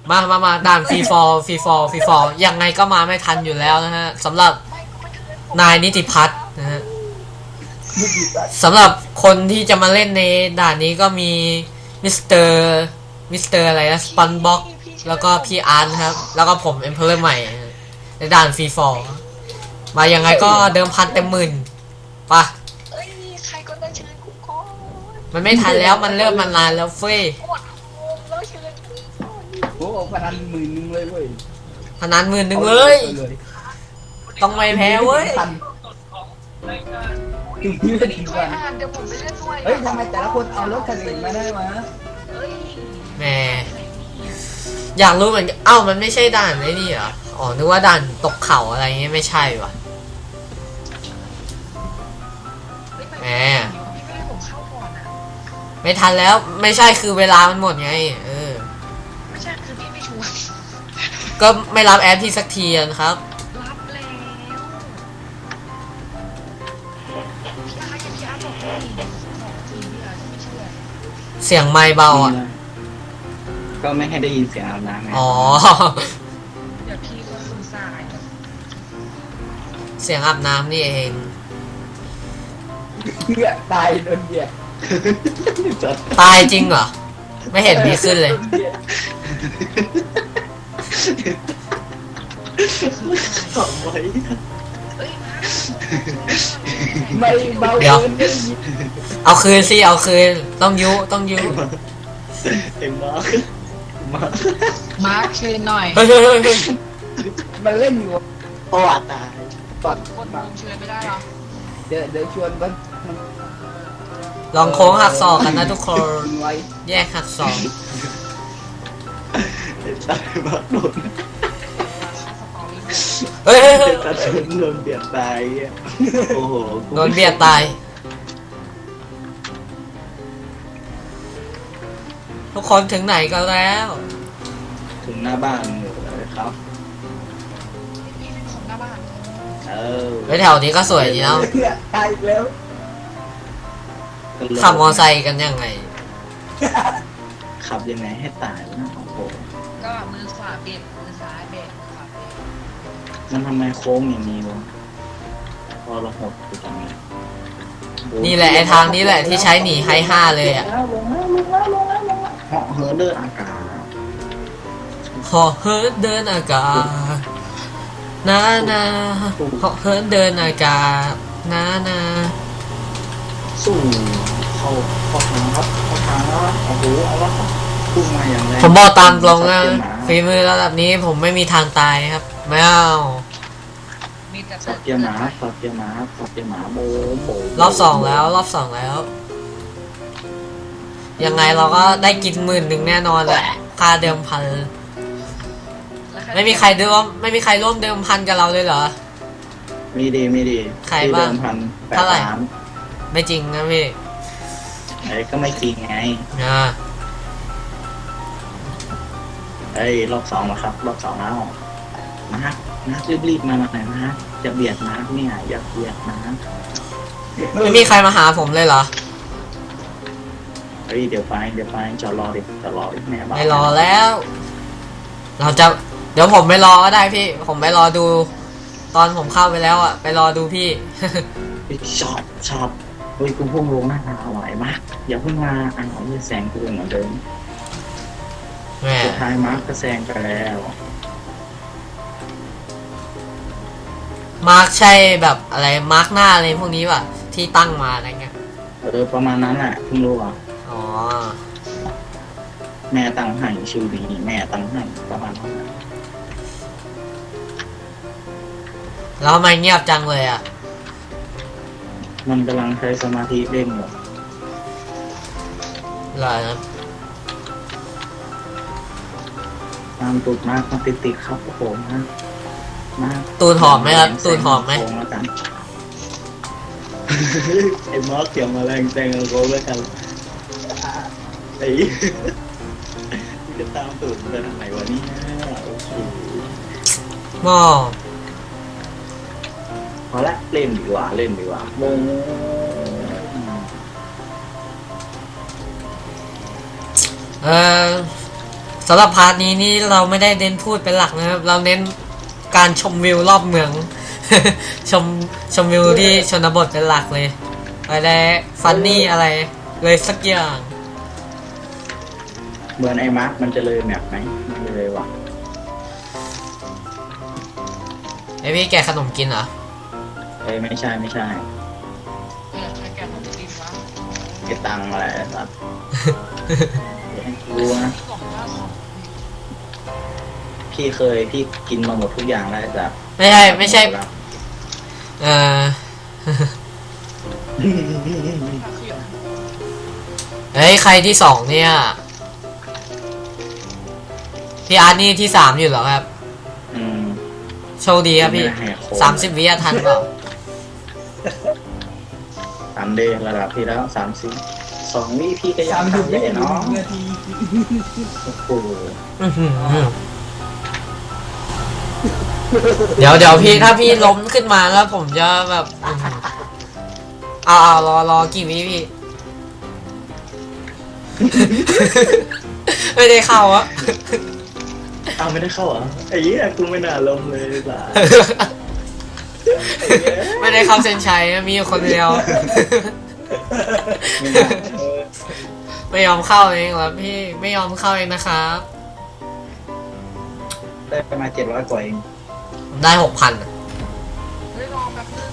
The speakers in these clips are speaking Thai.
มาด่านฟรีฟอร์ยังไงก็มาไม่ทันอยู่แล้วนะฮะสำหรับนายนิติพัฒน์นะฮะสำหรับคนที่จะมาเล่นในด่านนี้ก็มีมิสเตอร์อะไรนะสปันบ็อกแล้วก็พี่อาร์ตครับแล้วก็ผมเอ็มเพลเลอร์ใหม่ในด่านฟรีฟอร์มายังไงก็เดิมพันเต็มหมื่นปะใครก็ได้เชิญกูก่อนมันไม่ทันแล้วมันเริ่มมานานแล้วเฟ้ยกดโฮมแล้วเชิญกูก่อนโอ้พนัน10,000เลยเว้ยพนัน10,000เลยต้องไม่แพ้เว้ยถึงที่จะถึงช่วยวันอ่านเดี๋ยวผมไปเล่นด้วยเฮ้ยทำไมแต่ละคนเอารถคันอื่นมาได้มาเฮ้ยแหมอยากรู้เหมือนกันมันไม่ใช่ด่านไอ้นี่เหรออ๋อนึกว่าด่านตกเขาอะไรเงี้ยไม่ใช่ว่ะแหมพี่ไม่ให้ผมเข้าก่อนอ่ะไม่ทันแล้วไม่ใช่คือเวลามันหมดไงไม่ใช่คือพี่ไม่ชวนก็ไม่รับแอดพี่สักทีนะครับรับแล้วพี่อาร์บอกพี่พี่อาร์ไม่เชื่อเสียงไมค์เบาก็ไม่ให้ได้ยินเสียงอาบน้ำไงอ๋อเดี๋ยวพี่ก็ซึมซ่าเสียงอาบน้ำนี่เองเพื่อตายโดนเบียดตายจริงเหรอไม่เห็นมีขึ้นเลยทำไว้เอ้ยมาไม่เบาเดี๋ยวเกินได้ยินเอาคืนสิเอาคืนต้องยุเอ็มมาร์คมาร์คเชิญหน่อยเฮ้ยมันเล่นอยู่โอ้ตายตอนคนโฮมเชิญไม่ได้หรอเดี๋ยวชวนมันลองโค้งหักศอกกันนะทุกคนทิ้งไว้แยกหักศอกตายมาโดนเฮ้ยตาโดนเบียดตายโอ้โหโดนเบียดตายทุกคนถึงไหนกันแล้วถึงหน้าบ้านเลยครับพี่เป็นของหน้าบ้านไปแถวนี้ก็สวยดีเนาะเพื่อตายอีกแล้วขับมอไซค์กันยังไงขับยังไงให้ตายนะโอ้โหก็มือขวาเบรกมือซ้ายเบรกมือขวาเบรกมันทำไมโค้งอย่างนี้วะพอเราหดอยู่ตรงนี้นี่แหละไอทางนี้แหละที่ใช้หนีไฮ5เลยอ่ะเหาะเหินเดินอากาศเหาะเหินเดินอากาศนาเหาะเหินเดินอากาศนาสู้เข้าทางครับเข้าทางแล้วโอ้โหเอาละพุ่งมาอย่างแรงผมบอกตามตรงนะฝีมือระดับนี้ผมไม่มีทางตายครับไม่เอามีแต่สับเกียร์หมาสับเกียร์หมาสับเกียร์หมาโบโบรอบสองแล้วยังไงเราก็ได้กิน10,000แน่นอนแหละค่าเดิมพันไม่มีใครร่วมเดิมพันกับเราเลยเหรอมีดีใครบ้าง 8 เท่าไหร่ล้านไม่จริงนะพี่ไอ้ก็ไม่จริงไงอ่าไอ้รอบสองนะครับรอบสองแล้วมาร์ครีบมาหน่อยนะจะเบียดมาร์คเนี่ยอย่าเบียดนะไม่มีใครมาหาผมเลยเหรอเฮ้ยเดี๋ยวไปจะรอดิแม่บ้าไม่รอแล้ว เดี๋ยวผมไปรอก็ได้พี่ผมไปรอดู ตอนผมเข้าไปแล้วอ่ะไปรอดูพี่ชอบเฮ้ยกูพุ่งลงหน้าไหวมากอย่าเพิ่งมายืนแซงกูเหมือนเดิมแหมสุดท้ายมาร์คก็แซงไปแล้วมาร์กใช่แบบอะไรมาร์กหน้าอะไรพวกนี้ป่ะที่ตั้งมาอะไรเงี้ยประมาณนั้นแหละเพิ่งรู้อ่ะอ๋อแม่ตั้งให้ชื่อนี้แม่ตั้งให้ประมาณนั้นแล้วทำไมเงียบจังเลยอ่ะมันกำลังใช้สมาธิเล่นอยู่เหรอครับตามตูดมากมาติดครับผมนะมาตูนหอมไหมครับตูนหอมไหมโค้งแล้วกัน ไอ้มอสเกี่ยวมาแรงแซงโค้งแล้วกันไอ้จะตามตูดไปทางไหนวะเนี่ยโอเคหม้อพอละเล่นดีกว่าโมงเออสำหรับพาร์ทนี้นี่เราไม่ได้เน้นพูดเป็นหลักนะครับ เราเน้นการชมวิวรอบเมือง ชมวิวที่ชนบทเป็นหลักเลยอะไรฟันนี่อะไรเลยสักอย่างเหมือนไอ้มาร์คมันจะเลยแมปไหมไม่เลยว่ะไอพี่แกะขนมกินเหรอเอ้ยไม่ใช่ไม่ใช่ใช้แกนของกินวะเก็บตังค์อะไรสัตว์เดี๋ยวให้รู้นะกล่องล่าสุดพี่กินมาหมดทุกอย่างแล้วจ้ะไม่ใช่เออ เฮ้ยใครที่สองเนี่ยพี่อาร์ตนี่ที่สามอยู่เหรอครับอืมโชคดีครับพี่ไม่ให้โค้ด 30 วิทันเปล่า 3D ระดับที่แล้ว2 วิพี่ก็ยังทำได้เนาะนาทีโอ้โหอื้อหือเดี๋ยวพี่ถ้าพี่ล้มขึ้นมาแล้วผมจะแบบอื้อหือเอารอกี่วิพี่ ไม่ได้เข้าอะเอาไม่ได้เข้าเหรอไอ้เหี้ยกูไม่น่าลงเลยล่ะไม่ได้เข้าเส้นชัยนะมีอยู่คนเดียวไม่น่าไม่ยอมเข้าเองเหรอพี่ไม่ยอมเข้าเองนะครับได้ประมาณ700 กว่าเองผมได้ 6,000อะเฮ้ยรอแป๊บนึง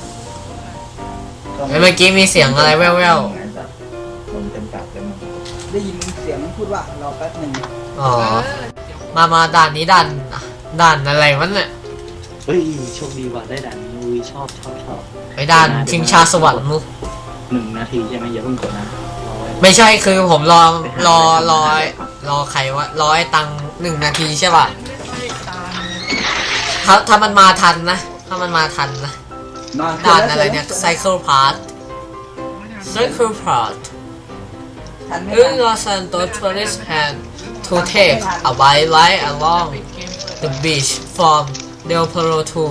เมื่อกี้มีเสียงอะไรแว่วลมเต็มปากเลยมั้งได้ยินเสียงพูดว่ารอแป๊บหนึ่งๆอ๋อเดี๋ยวมาด่านนี้ด่านอะไรวะเนี่ยเฮ้ยโชคดีว่ะได้ด่านนี้อุ้ยชอบไปด่านชิงชาสวรรค์มุก 1 นาทีใช่ไหมอย่าเพิ่งกดนะรอไว้ไม่ใช่คือผมรอใครวะรอไอ้ตัง1 นาทีใช่ป่ะไม่ใช่ตามถ้ามันมาทันนะถ้ามันมาทันนะนอนด่านอะไรเนี่ย Cycle Path ไม่ทัน Cycle Path ทันไม่ In ทัน Los Santos tourists had to take a white line along ปิดเกมเปิด the beach from Del Perro to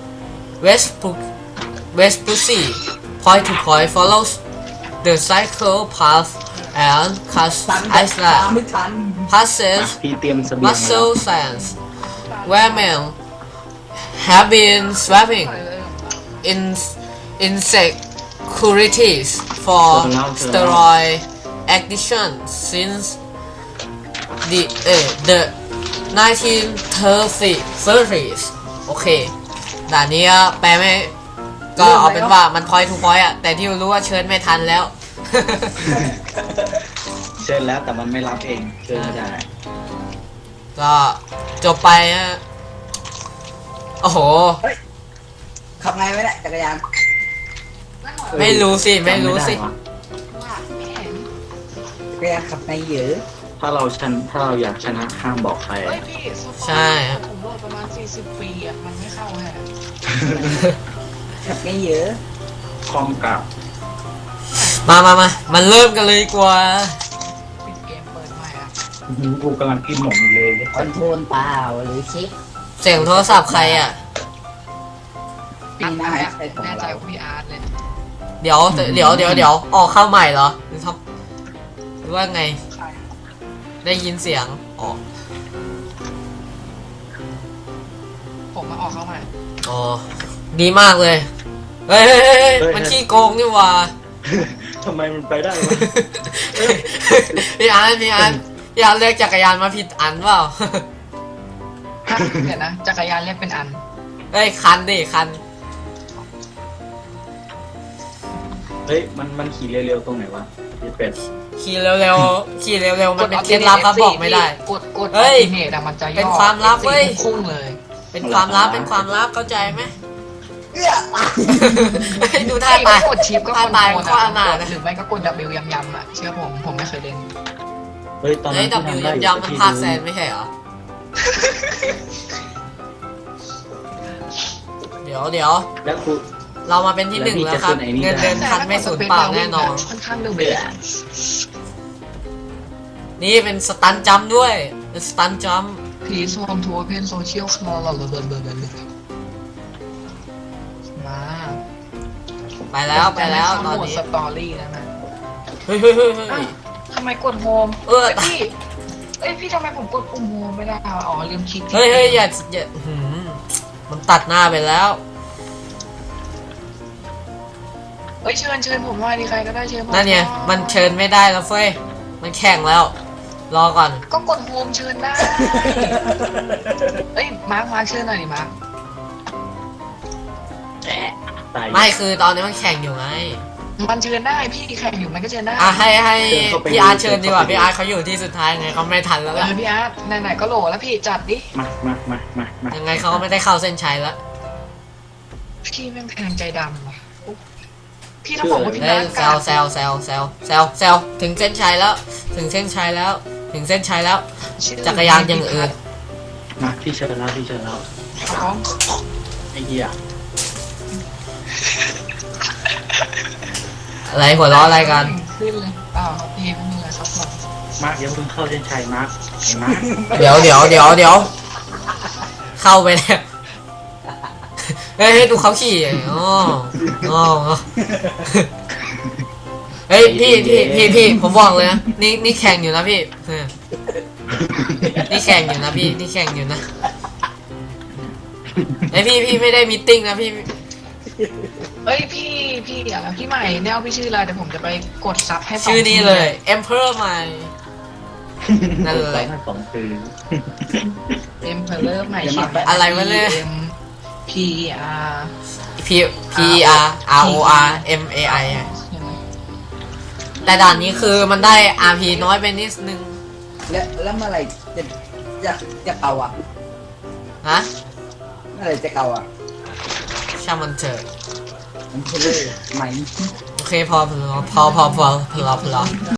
West Pussy. Point to point follows the cycle path and Cast ทัน Island ไม่ทัน passes พี่เตรียมเสบียงมาแล้ว Muscle Sands, where men have been swapping in insecurities for steroid addiction since the 1930s โอเคด่านนี้แปลไม่ก็เอาเป็นว่ามัน point to point อะแต่ที่รู้ว่าเชิญไม่ทันแล้วเชิญแล้วแต่มันไม่รับเองเชิญไม่ได้ก็จบไปฮะโอ้โหขับไงไม่ได้จักรยานไม่รู้สิไม่รู้สิจำด้ว่ะจักรยานขับไงเหยอะถ้าเราอยากชนะห้ามบอกใครเฮ้ยพี่โซฟาใช่ครับผมโหลดประมาณ40 ปีอ่ะมันไม่เข้าฮะขับไงเหยอะคล้องกับมันเริ่มกันเลยดีกว่าปิดเกมเปิดใหม่อ่ะกูกำลังกินหนมเลยคอนโทรลเปล่าหรือชิปเสียงโทรศัพท์ใครอ่ะปีหน้าแน่ใช้ของใจเราว่าพี่อาร์ตเลยเดี๋ยวออกเข้าใหม่เหรอหรือทำหรือว่าไงใครได้ยินเสียงอ๋อผมมาออกเข้าใหม่อ๋อดีมากเลยเฮ้ยมันขี้โกงนี่หว่าทำไมมันไปได้วะพี่อันเรียกจักรยานมาผิดอันเปล่าฮะเดี๋ยวนะจักรยานเรียกเป็นอันเฮ้ยคันดิคันเฮ้ยมันขี่เร็วๆตรงไหนวะพี่เป็ดขี่เร็วมันเป็นเคล็ดลับครับบอกไม่ได้กดเฮ้ยเนตมันจะย่อเป็นความลับเว้ยพุ่งเลยเป็นความลับเข้าใจไหมเอื้อดูท่าถ้าตายกดชิปก็ท่าคอนตายโทรลข้ออนาถหรือไม่ก็กด W ยำๆอ่ะเชื่อผมไม่เคยเล่นเฮ้ยตอนนั้เฮ้ยนดับที่ยูทำได้อยู่ยำมันภาคแซนไม่ใช่เหรอ เดี๋ยวแล้วกูเรามาเป็นที่หนึ่งแล้วครับ เงินเดือนพันไม่สูญเปล่าแน่นอนค่อนข้างเร็วเลยนี่เป็นสตันจัมป์ด้วย เป็นสตันจัมป์พีซโฮมทัวร์เพนโซเชียลคลอร์มาไปแล้วตอนนี้สตอรี่แล้วนะเฮ้ยทำไมกดโฮมเออพี่เอ้ยพี่ทำไมผมกดปุ่มโฮมไม่ได้อ๋อลืมคลิกเฮ้ยอย่ามันตัดหน้าไปแล้วเอ้ยเชิญผมว่าดีใครก็ได้เชิญผมนั่นเนี่ยมันเชิญไม่ได้แล้วเฟ้ยมันแข่งแล้ว รอก่อนก็กดโฮมเชิญได้เอ้ยมาร์คเชิญหน่อยดิมาร์คตายไม่คือตอนนี้มันแข่งอยู่ไงมันเชิญได้พี่แข่งอยู่มันก็เชิญได้อ่ะให้พี่อาร์ตเชิญดีกว่าพี่อาร์ตเขาอยู่ที่สุดท้ายไงเขาไม่ทันแล้วล่ะพี่อาร์ตไหนๆก็โหลแล้วพี่จัดดิมายังไงเขาก็ไม่ได้เข้าเส้นชัยแล้วพี่แม่งแทงใจดำว่ะพี่ต้องบอกว่าพี่เฮ้นัยกแซวถึงเส้นชัยแล้ว ถึงเส้นชัยแล้ว จักรยานอย่างอื่นมาพี่เชิญแล้วของไอ้เหี้ยอะไรหัวล้ออะไรกันขึ้นเลยครับพี่ไม่มีอะไรครับผมมาร์คยังเพิ่งเข้าเส้นชัยมาร์คไอ้มาร์คเดี๋ยวเข้าไปแล้วเฮ้ยดูเขาขี่อ๋อเฮ้ยพี่ผมบอกเลยนะนี่แข่งอยู่นะพี่นี่แข่งอยู่นะไอพี่ไม่ได้มีตติ้งนะพี่เอ้ยพี่อะไรพี่ใหม่แนวพี่ชื่ออะไรเดี๋ยวผมจะไปกดซับให้ชื่อนี้เลย Emperor ใหม่นั่นเลยสองคือเอ็มเพลเลอร์ใหม่ชื่ออะไรวะเนี่ย P R P R R O R M A I แต่ด่านนี้คือมันได้ RP น้อยไปนิดนึงแล้วเมื่อไหร่จะเก่าอ่ะฮะเมื่อไหร่จะเก่าอ่ะช่างมันเถอะมันคือเลยไหมโอเคพอ